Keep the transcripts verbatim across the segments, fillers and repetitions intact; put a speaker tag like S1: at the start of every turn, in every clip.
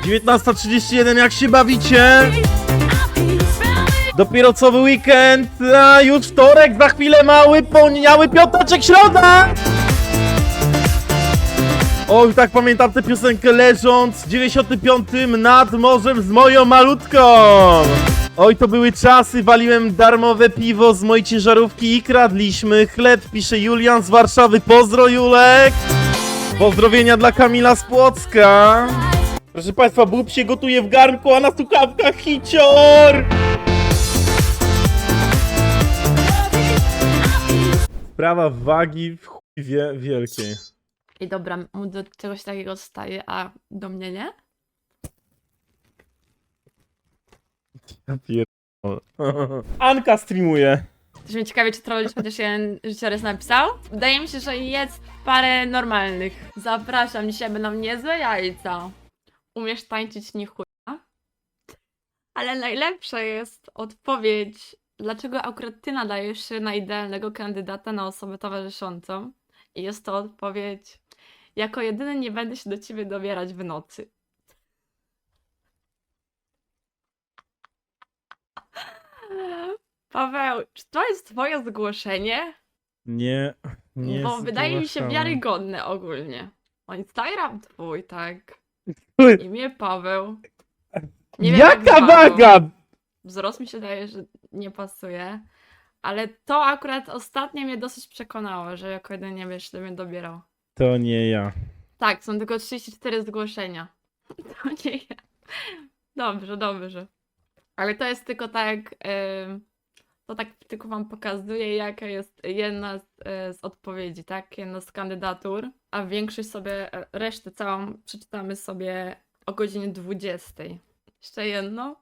S1: dziewiętnasta trzydzieści jeden, jak się bawicie? Dopiero co był weekend, a już wtorek, za chwilę mały, poniedziałek, piąteczek, środa! Oj, tak pamiętam tę piosenkę leżąc w dziewięćdziesiątym piątym nad morzem z moją malutką. Oj, to były czasy, waliłem darmowe piwo z mojej ciężarówki i kradliśmy chleb, pisze Julian z Warszawy. Pozdro, Julek! Pozdrowienia dla Kamila z Płocka. Proszę państwa, bób się gotuje w garnku, a na słuchawkach hicior! Sprawa wagi w chuj wie, wielkiej.
S2: I dobra, mu do czegoś takiego staje, a do mnie nie?
S1: Ja pierdolę. Anka streamuje.
S2: Też mnie ciekawie, czy trollisz chociaż jeden życiorys napisał? Wydaje mi się, że jest parę normalnych. Zapraszam, dzisiaj będą niezłe jajca. Umiesz tańczyć nie chuja? Ale najlepsza jest odpowiedź, dlaczego akurat ty nadajesz się na idealnego kandydata na osobę towarzyszącą. I jest to odpowiedź, jako jedyny nie będę się do ciebie dobierać w nocy. Paweł, czy to jest twoje zgłoszenie?
S1: Nie, nie.
S2: Bo wydaje mi się
S1: zgłaszałem.
S2: wiarygodne ogólnie. O, Instagram twój, tak.
S1: Oj,
S2: Imię Paweł. Nie wiem, jak
S1: jaka
S2: z wagą.
S1: waga?
S2: Wzrost mi się daje, że nie pasuje. Ale to akurat ostatnio mnie dosyć przekonało, że jako jeden nie będziesz do mnie dobierał.
S1: To nie ja.
S2: Tak, są tylko trzydzieści cztery zgłoszenia. To nie ja. Dobrze, dobrze. Ale to jest tylko tak, yy, to tak tylko wam pokazuje, jaka jest jedna z, yy, z odpowiedzi, tak? Jedna z kandydatur, a większość sobie, e, resztę całą przeczytamy sobie o godzinie dwudziestej. Jeszcze jedno?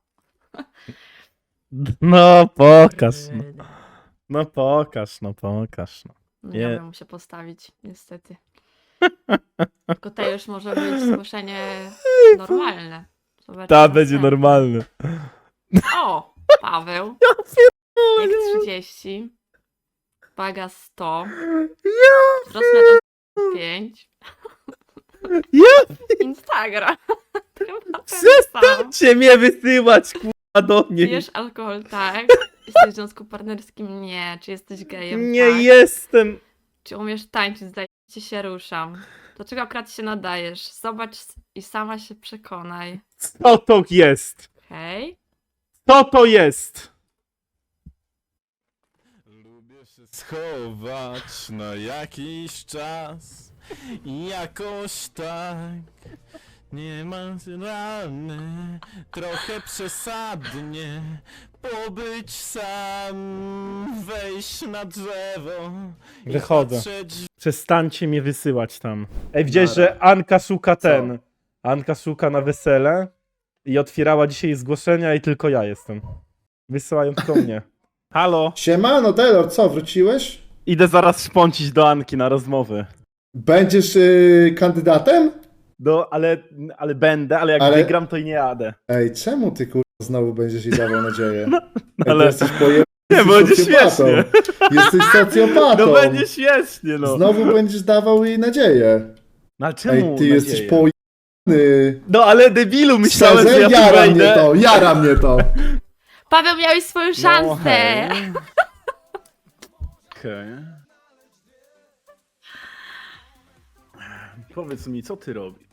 S1: No pokaż, no. No pokaż, no pokaż, no.
S2: No
S1: Nie.
S2: nie wiem, muszę postawić, niestety. Tylko to już może być zgłoszenie normalne. Zobaczymy,
S1: Ta
S2: co
S1: będzie
S2: następne.
S1: normalny.
S2: O, Paweł. Jak trzydzieści. Waga sto. Wzrost metr pięć.
S1: Ja
S2: Instagram. Chyba ten sam.
S1: przestańcie mnie wysyłać, kurwa, do niej.
S2: Pijesz alkohol, tak. Jesteś w związku partnerskim? Nie. Czy jesteś gejem?
S1: Nie
S2: Tak.
S1: jestem.
S2: Czy umiesz tańczyć? Zdaje ci się ruszam. Dlaczego akurat się nadajesz? Zobacz i sama się przekonaj.
S1: Co to jest?
S2: Hej.
S1: Co to jest?
S3: Lubię się schować na jakiś czas i jakoś tak nienaturalne, trochę przesadnie pobyć sam, wejść na drzewo i
S1: Wychodzę.
S3: patrzeć.
S1: Przestańcie mnie wysyłać tam. Ej, widziałeś,
S3: Nara.
S1: że Anka szuka
S3: Co?
S1: ten. Anka szuka na wesele i otwierała dzisiaj zgłoszenia i tylko ja jestem. Wysyłają tylko mnie. Halo?
S4: Siemano, Taylor, co, wróciłeś?
S1: Idę zaraz szpącić do Anki na rozmowy.
S4: Będziesz yy, kandydatem?
S1: Do, ale, ale będę, ale jak
S4: Ale-
S1: wygram, to i nie jadę.
S4: Ej, czemu ty kurwa znowu będziesz jej dawał nadzieję? Ej,
S1: ale-
S4: ty jesteś pojebany.
S1: Nie, będzie śmiesznie.
S4: Jesteś socjopatą.
S1: No będzie śmiesznie, no.
S4: Znowu będziesz dawał jej nadzieję.
S1: No ale czemu
S4: Ej, ty
S1: nadzieję?
S4: jesteś pojebany.
S1: No ale debilu, myślałem, że ja tu
S4: jara mnie
S1: wejdę.
S4: to, jara mnie to.
S2: Paweł, miałeś swoją
S1: No,
S2: szansę.
S1: hej. Okej. Powiedz mi, co ty robisz?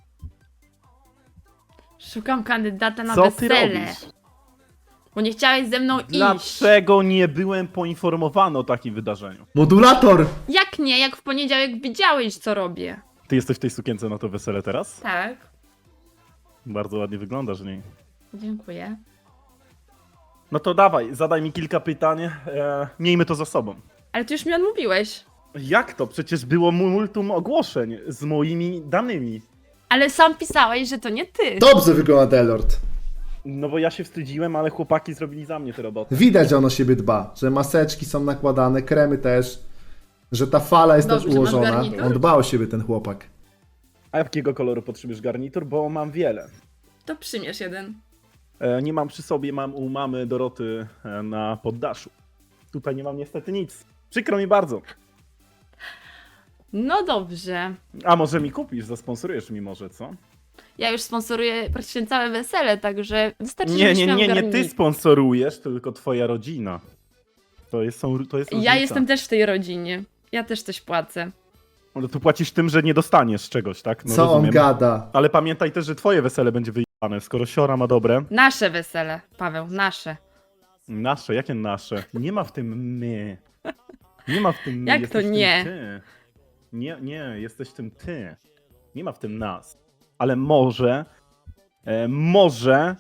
S2: Szukam kandydata na
S1: Co ty
S2: wesele.
S1: robisz?
S2: Bo nie chciałeś ze mną iść.
S1: Dlaczego nie byłem poinformowany o takim wydarzeniu?
S4: Modulator.
S2: Jak nie? Jak w poniedziałek widziałeś, co robię.
S1: Ty jesteś w tej sukience na to wesele teraz?
S2: Tak.
S1: Bardzo ładnie wyglądasz w niej.
S2: Dziękuję.
S1: No to dawaj, zadaj mi kilka pytań. E, miejmy to za sobą.
S2: Ale ty już mi odmówiłeś.
S1: Jak to? Przecież było multum ogłoszeń z moimi danymi.
S2: Ale sam pisałeś, że to nie ty.
S4: Dobrze wygląda Delord.
S1: No bo ja się wstydziłem, ale chłopaki zrobili za mnie tę robotę.
S4: Widać, że on o siebie dba, że maseczki są nakładane, kremy też, że ta fala jest
S2: Dobrze,
S4: też
S2: masz
S4: ułożona.
S2: garnitur?
S4: On dba o siebie, ten chłopak.
S1: A jakiego koloru potrzebujesz garnitur? Bo mam wiele.
S2: To przymierz jeden.
S1: E, nie mam przy sobie, mam u mamy Doroty e, na poddaszu. Tutaj nie mam niestety nic. Przykro mi bardzo.
S2: No dobrze.
S1: A może mi kupisz, zasponsorujesz mi może, co?
S2: Ja już sponsoruję praktycznie całe wesele, także wystarczy,
S1: Nie,
S2: żebyś
S1: nie,
S2: miał
S1: nie, nie ty
S2: garnik.
S1: sponsorujesz, tylko twoja rodzina. To jest, są, to jest różnica.
S2: Ja jestem też w tej rodzinie. Ja też coś płacę.
S1: No to płacisz tym, że nie dostaniesz czegoś, tak? No
S4: Co
S1: rozumiem.
S4: on gada?
S1: Ale pamiętaj też, że twoje wesele będzie wyjebane, skoro siora ma dobre.
S2: Nasze wesele, Paweł, nasze.
S1: Nasze, jakie nasze? Nie ma w tym my. Nie ma w tym my.
S2: Jak
S1: jesteś
S2: to
S1: w
S2: nie?
S1: Tym ty. Nie, nie, jesteś w tym ty. Nie ma w tym nas. Ale może, e, może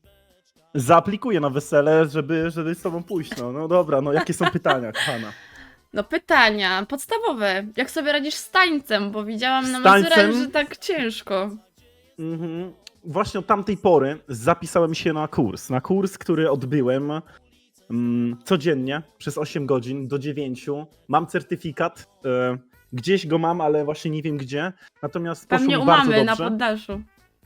S1: zaaplikuję na wesele, żeby, żeby z tobą pójść. No, no dobra, no jakie są pytania, kochana?
S2: No pytania podstawowe. Jak sobie radzisz z tańcem? Bo widziałam na
S1: Z tańcem?
S2: Mazurach, że tak ciężko.
S1: Mhm. Właśnie od tamtej pory zapisałem się na kurs. Na kurs, który odbyłem mm, codziennie przez osiem godzin do dziewięciu. Mam certyfikat. E, gdzieś go mam, ale właśnie nie wiem gdzie. Natomiast poszło
S2: Pewnie
S1: mi
S2: u
S1: bardzo
S2: mamy na
S1: dobrze.
S2: poddaszu.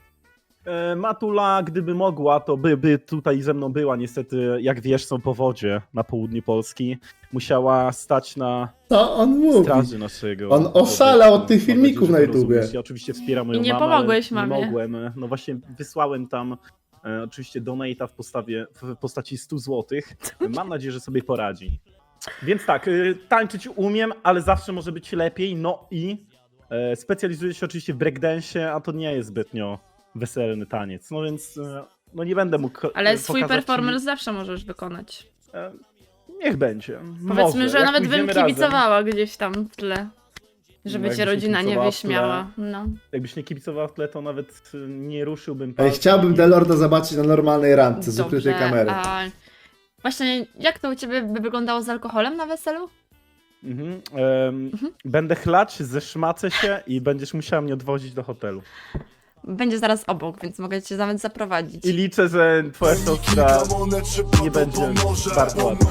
S1: E, Matula, gdyby mogła, to by, by tutaj ze mną była. Niestety, jak wiesz, są powodzie na południu Polski. Musiała stać na
S4: Co on mówi?
S1: straży naszego.
S4: On oszalał od tych
S1: Mam
S4: filmików
S1: nadzieję,
S4: na
S1: że to
S4: YouTubie.
S1: rozumiesz. Ja oczywiście wspieram moją
S2: I nie
S1: mamę,
S2: pomogłeś
S1: ale
S2: mamie.
S1: Nie mogłem. No właśnie wysłałem tam e, oczywiście donate'a w, postawie, w postaci stu złotych. Mam nadzieję, że sobie poradzi. Więc tak, y, tańczyć umiem, ale zawsze może być lepiej. No i e, specjalizuję się oczywiście w breakdance, a to nie jest zbytnio weselny taniec. No więc e, no nie będę mógł
S2: Ale
S1: e,
S2: swój
S1: pokazać
S2: performance zawsze możesz wykonać.
S1: Ci, e, niech będzie.
S2: Powiedzmy,
S1: może.
S2: że
S1: Jak
S2: nawet bym
S1: pójdziemy razem,
S2: kibicowała gdzieś tam w tle. Żeby
S1: No,
S2: cię
S1: jakbyś nie
S2: rodzina nie
S1: kibicowała w tle.
S2: wyśmiała. No.
S1: Jakbyś nie kibicował w tle, to nawet y, nie ruszyłbym
S4: Ej,
S1: palcem.
S4: chciałbym Delorda zobaczyć na normalnej randce z ukrytej
S2: Dobrze,
S4: kamery.
S2: a właśnie jak to u ciebie by wyglądało z alkoholem na weselu?
S1: Mhm. em, Będę chlać, zeszmacę się i będziesz musiała mnie odwozić do hotelu.
S2: Będzie zaraz obok, więc mogę cię nawet zaprowadzić.
S1: I liczę, że twoja siostra nie będzie bardzo ładna.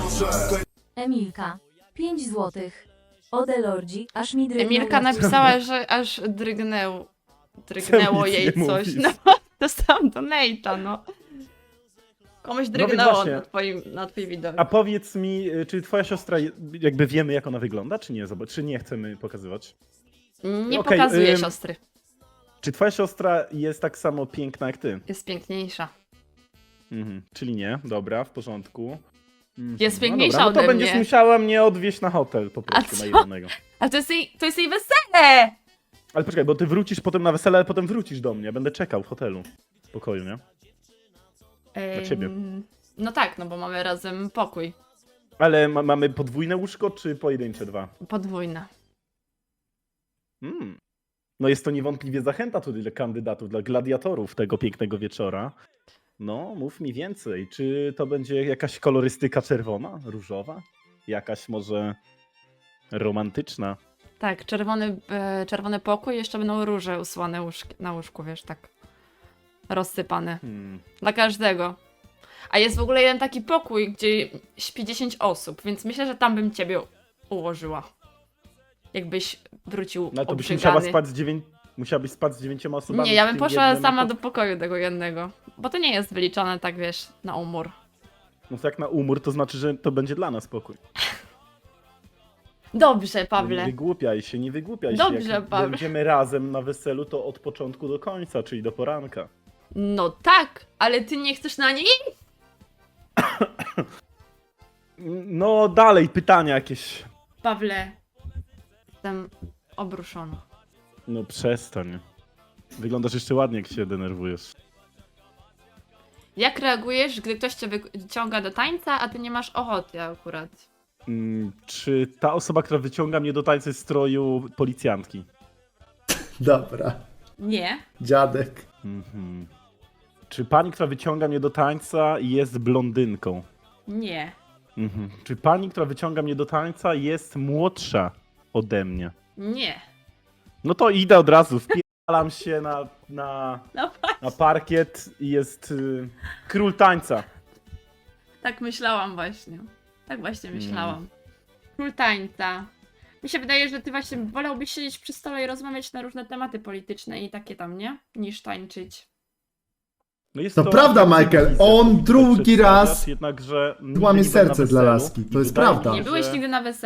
S5: Emilka, pięć złotych. Ode Lordzi, aż mi drgnęło.
S2: Emilka napisała, że aż drgnęł, drgnęło
S1: nic
S2: jej
S1: nie
S2: coś.
S1: mówisz.
S2: No, dostałam donate'a, no. Komuś
S1: więc
S2: drgnęło
S1: właśnie.
S2: na, twoim, na twój widok.
S1: A powiedz mi, y, czy twoja siostra, je- jakby wiemy jak ona wygląda, czy nie? Zobacz, czy nie chcemy pokazywać?
S2: Nie
S1: okej,
S2: pokazuję
S1: ym,
S2: siostry.
S1: Czy twoja siostra jest tak samo piękna jak ty?
S2: Jest piękniejsza.
S1: Mhm. Czyli nie, dobra, w porządku. Mhm.
S2: Jest
S1: No
S2: piękniejsza
S1: dobra, no to
S2: ode
S1: będziesz
S2: mnie.
S1: musiała mnie odwieźć na hotel po prostu,
S2: co?
S1: na jednego.
S2: Ale to jest jej, to jest jej wesele!
S1: Ale poczekaj, bo ty wrócisz potem na wesele, ale potem wrócisz do mnie. Będę czekał w hotelu. W pokoju, nie?
S2: Ym,
S1: ciebie.
S2: No tak, no bo mamy razem pokój.
S1: Ale ma mamy podwójne łóżko, czy pojedyncze dwa?
S2: Podwójne.
S1: Mm. No jest to niewątpliwie zachęta tutaj dla kandydatów, dla gladiatorów tego pięknego wieczora. No, mów mi więcej. Czy to będzie jakaś kolorystyka czerwona, różowa? Jakaś może romantyczna?
S2: Tak, czerwony, e, czerwony pokój, jeszcze będą róże usłane łóżki, na łóżku, wiesz, tak rozsypane.
S1: Hmm.
S2: Dla każdego. A jest w ogóle jeden taki pokój, gdzie śpi dziesięć osób, więc myślę, że tam bym ciebie ułożyła. Jakbyś wrócił
S1: No to byś
S2: obrzygany.
S1: musiała spać z dziewięć... Musiałabyś spać z dziewięcioma osobami.
S2: Nie, ja
S1: w
S2: bym
S1: tym
S2: poszła
S1: jednym
S2: sama
S1: pok-
S2: do pokoju tego jednego. Bo to nie jest wyliczane tak, wiesz, na umór.
S1: No to jak na umór, to znaczy, że to będzie dla nas pokój.
S2: Dobrze,
S1: No nie
S2: Pawle.
S1: wygłupiaj się, nie wygłupiaj
S2: Dobrze,
S1: się. Jak
S2: Paweł.
S1: będziemy razem na weselu, to od początku do końca, czyli do poranka.
S2: No tak, ale ty nie chcesz na niej?
S1: No dalej, pytania jakieś.
S2: Pawle, jestem obruszona.
S1: No przestań. Wyglądasz jeszcze ładnie, jak się denerwujesz.
S2: Jak reagujesz, gdy ktoś cię wyciąga do tańca, a ty nie masz ochoty akurat?
S1: Mm, czy ta osoba, która wyciąga mnie do tańca jest w stroju policjantki?
S4: Dobra.
S2: Nie.
S4: Dziadek.
S1: Mhm. Czy pani, która wyciąga mnie do tańca jest blondynką?
S2: Nie.
S1: Mhm. Czy pani, która wyciąga mnie do tańca jest młodsza ode mnie?
S2: Nie.
S1: No to idę od razu, wpierdalam się na, na,
S2: No
S1: na parkiet i jest y, król tańca.
S2: tak myślałam właśnie. Tak właśnie myślałam. Król tańca. Mi się wydaje, że ty właśnie wolałbyś siedzieć przy stole i rozmawiać na różne tematy polityczne i takie tam, nie? Niż tańczyć.
S1: No jest
S4: To prawda, Michael,
S1: wizja,
S4: on
S1: którą
S4: drugi
S1: przedstawiasz,
S4: raz
S1: Jednakże nigdy
S4: łamie
S1: nie byłem na
S4: serce dla
S1: weselu
S4: laski, to
S1: i
S4: jest
S1: wydaje mi
S4: prawda.
S1: się,
S2: Nie byłeś
S1: że,
S2: nigdy na weselu?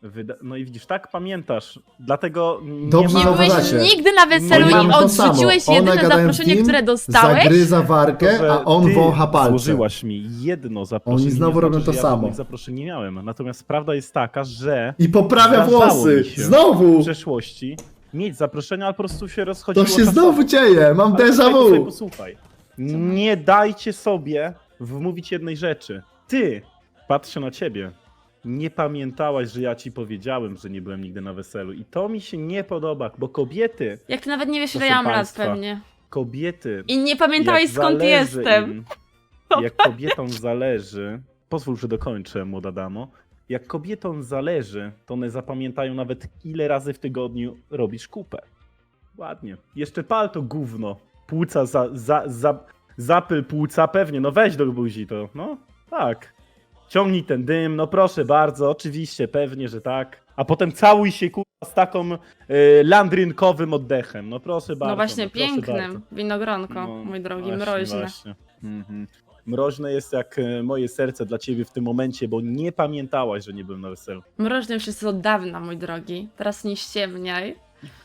S1: Wyda no i widzisz, tak pamiętasz. Dlatego nie
S4: Dobrze
S2: Nie
S1: ma...
S2: byłeś
S4: zauważacie.
S2: nigdy na weselu
S4: Oni
S2: i
S4: mamy to samo.
S2: odrzuciłeś
S4: One
S2: jedyne
S4: gadają w
S2: zaproszenie,
S4: team,
S2: które dostałeś?
S4: Zagryza wargę,
S1: że
S4: a on
S1: ty
S4: wącha palce.
S1: Złożyłaś mi jedno zaproszenie.
S4: Oni znowu
S1: nie
S4: robią
S1: znaczy,
S4: to
S1: że ja
S4: samo.
S1: żadnych zaproszeń nie miałem. Natomiast prawda jest taka, że
S4: I poprawia
S1: Zdarzało
S4: włosy.
S1: mi się. w
S4: Znowu!
S1: przeszłości mieć zaproszenia, ale po prostu się
S4: To
S1: rozchodziło
S4: się
S1: czasowo.
S4: znowu dzieje. Mam
S1: Ale
S4: déjà
S1: posłuchaj, posłuchaj,
S4: vu.
S1: posłuchaj. Nie dajcie sobie wmówić jednej rzeczy. Ty, patrzę na ciebie, nie pamiętałaś, że ja ci powiedziałem, że nie byłem nigdy na weselu. I to mi się nie podoba, bo kobiety,
S2: Jak ty nawet nie wiesz, ile
S1: Proszę
S2: ja mam lat
S1: państwa.
S2: pewnie.
S1: kobiety...
S2: I nie pamiętałeś
S1: jak
S2: skąd
S1: zależy
S2: jestem.
S1: Im, jak kobietom zależy, pozwól, że dokończę, młoda damo. Jak kobietom zależy, to one zapamiętają nawet, ile razy w tygodniu robisz kupę. Ładnie. Jeszcze pal to gówno. Płuca, za, za, za, zapyl płuca, pewnie. No weź do buzi to. No tak. Ciągnij ten dym, no proszę bardzo, oczywiście, pewnie, że tak. A potem całuj się kurwa z taką y, landrynkowym oddechem. No proszę bardzo.
S2: No właśnie,
S1: no, proszę
S2: pięknym.
S1: bardzo.
S2: Winogronko,
S1: No,
S2: mój drogi,
S1: właśnie,
S2: mroźne.
S1: Właśnie. Mhm. Mroźne jest jak e, moje serce dla ciebie w tym momencie, bo nie pamiętałaś, że nie byłem na weselu.
S2: Mroźny już jest od dawna, mój drogi. Teraz nie ściemniaj.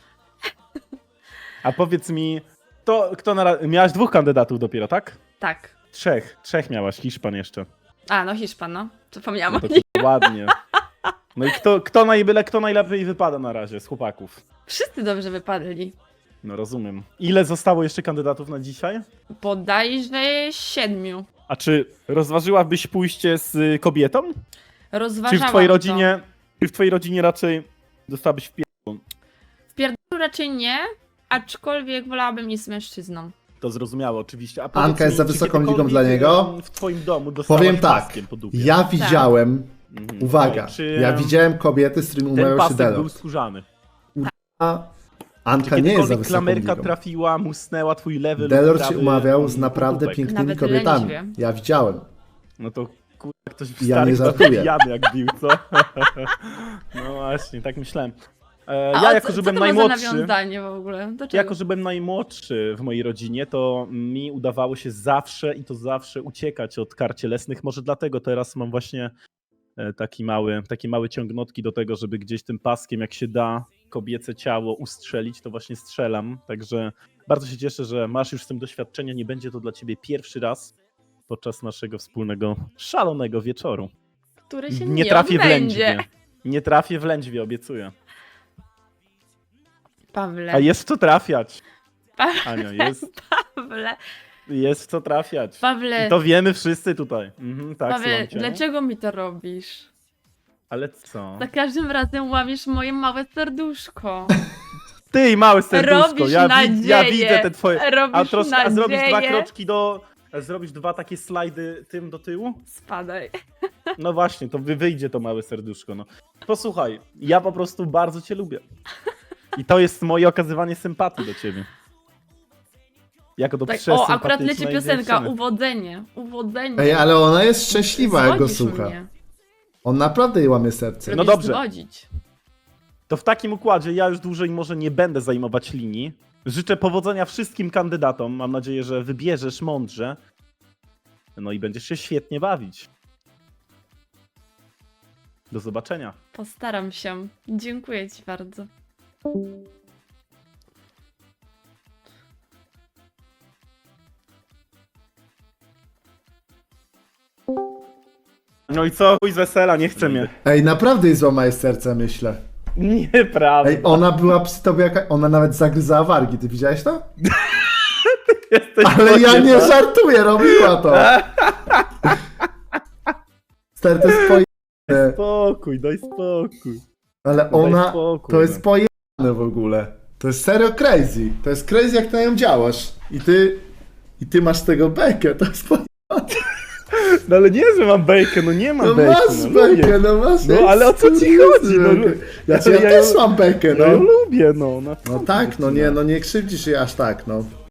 S1: A powiedz mi, to kto na ra- miałaś dwóch kandydatów dopiero, tak?
S2: Tak.
S1: Trzech. Trzech miałaś, Hiszpan jeszcze.
S2: A, no Hiszpan, no. Zapomniałam
S1: No
S2: o
S1: to
S2: nim.
S1: ładnie. No i kto, kto, najbyle, kto najlepiej wypada na razie z chłopaków?
S2: Wszyscy dobrze wypadli.
S1: No rozumiem. Ile zostało jeszcze kandydatów na dzisiaj?
S2: Bodajże siedmiu.
S1: A czy rozważyłabyś pójście z y, kobietą?
S2: Rozważałam
S1: Czy w twojej
S2: to.
S1: rodzinie, czy w twojej rodzinie raczej dostałabyś w
S2: W pierdolu raczej nie, aczkolwiek wolałabym iść z mężczyzną.
S1: To zrozumiałe, oczywiście. A
S4: Anka
S1: powiedz
S4: jest
S1: mi,
S4: za
S1: czy
S4: wysoką ligą
S1: kiedykolwiek,
S4: dla niego?
S1: em, W twoim domu dostałaś
S4: Powiem tak.
S1: paskiem po dupie?
S4: Ja widziałem,
S1: Mhm.
S4: uwaga,
S1: Czy,
S4: ja
S1: em,
S4: widziałem kobiety, z którymi
S1: Ten
S4: umawiał się
S1: pasek był
S4: Delord.
S1: skórzany.
S4: A
S1: Czy
S4: Anka nie jest za
S1: kiedykolwiek
S4: wysoką
S1: klamerka
S4: ligą.
S1: trafiła, musnęła twój lewy lub
S4: Delord się
S1: prawy,
S4: umawiał
S1: em,
S4: z naprawdę
S1: pupek?
S4: pięknymi
S2: Nawet
S4: kobietami.
S2: lędźwie.
S4: Ja widziałem.
S1: No to kurwa, ktoś w
S4: Ja
S1: starych
S4: nie
S1: czasach
S4: żartuję.
S1: pijany jak bił, co? No właśnie, tak myślałem. E,
S2: A
S1: ja
S2: o
S1: jako,
S2: co,
S1: że
S2: co
S1: byłem
S2: to ma za
S1: najmłodszy...
S2: nawiązanie w ogóle? Do czego?
S1: Jako, że byłem najmłodszy w mojej rodzinie, to mi udawało się zawsze i to zawsze uciekać od kar cielesnych. Może dlatego teraz mam właśnie e, taki mały, takie małe ciągnotki do tego, żeby gdzieś tym paskiem, jak się da, kobiece ciało ustrzelić, to właśnie strzelam. Także bardzo się cieszę, że masz już z tym doświadczenia. Nie będzie to dla ciebie pierwszy raz podczas naszego wspólnego, szalonego wieczoru.
S2: Który się
S1: Nie
S2: nie
S1: trafię w
S2: odbędzie.
S1: lędźwie. Nie trafię w lędźwie, obiecuję.
S2: Pawle,
S1: A jest w co trafiać.
S2: Pa-
S1: Ania, jest,
S2: Pawle,
S1: jest w co trafiać.
S2: Pawle,
S1: I to wiemy wszyscy tutaj. Mhm, tak,
S2: Pawle,
S1: słucham cię.
S2: dlaczego mi to robisz?
S1: Ale co?
S2: Za każdym razem łamiesz moje małe serduszko.
S1: Ty i małe serduszko,
S2: Robisz
S1: ja, wi- ja
S2: nadzieję.
S1: widzę te twoje...
S2: Robisz
S1: A, troszkę, a zrobisz dwa
S2: nadzieję.
S1: kroczki do... a zrobisz dwa takie slajdy tym do tyłu?
S2: Spadaj.
S1: No właśnie, to wy wyjdzie to małe serduszko, no. Posłuchaj, ja po prostu bardzo cię lubię. I to jest moje okazywanie sympatii do ciebie. Jako do
S2: Tak, o,
S1: przesympatycznej
S2: akurat leci piosenka,
S1: dziewczyny.
S2: uwodzenie, uwodzenie.
S4: Ej, ale ona jest szczęśliwa, jak go
S2: Zwodzisz
S4: słucha.
S2: mnie.
S4: On naprawdę jej łamie serce.
S1: No
S2: Lubisz
S1: dobrze.
S2: zwodzić.
S1: To w takim układzie ja już dłużej może nie będę zajmować linii. Życzę powodzenia wszystkim kandydatom. Mam nadzieję, że wybierzesz mądrze. No i będziesz się świetnie bawić. Do zobaczenia.
S2: Postaram się. Dziękuję ci bardzo.
S1: No i co? Chuj z wesela, nie chce mnie.
S4: Ej, naprawdę jej złamałeś serce, myślę.
S1: Nieprawda.
S4: Ej, ona była przy tobie jaka... Ona nawet zagryzała wargi, ty widziałeś to?
S1: Jesteś
S4: Ale ja nie
S1: pojebana.
S4: żartuję, robiła to. Stary, to jest pojebane.
S1: Spokój, daj spokój.
S4: Ale
S1: Daj
S4: ona...
S1: spokój,
S4: To
S1: no.
S4: jest pojebane w ogóle. To jest serio crazy. To jest crazy, jak ty na nią działasz. I ty... I ty masz tego bekę, to jest pojebane.
S1: No ale nie, że mam bejkę, no nie mam
S4: No
S1: bejki.
S4: masz
S1: no,
S4: bekę,
S1: lubię.
S4: no masz...
S1: No, ale o co ci chodzi? No,
S4: bekę. Ja,
S1: ale
S4: ja
S1: ja
S4: też
S1: ją-
S4: mam bekę,
S1: No ja
S4: no.
S1: lubię, no.
S4: No tak, no nie, no nie krzywdzisz jej aż tak, no.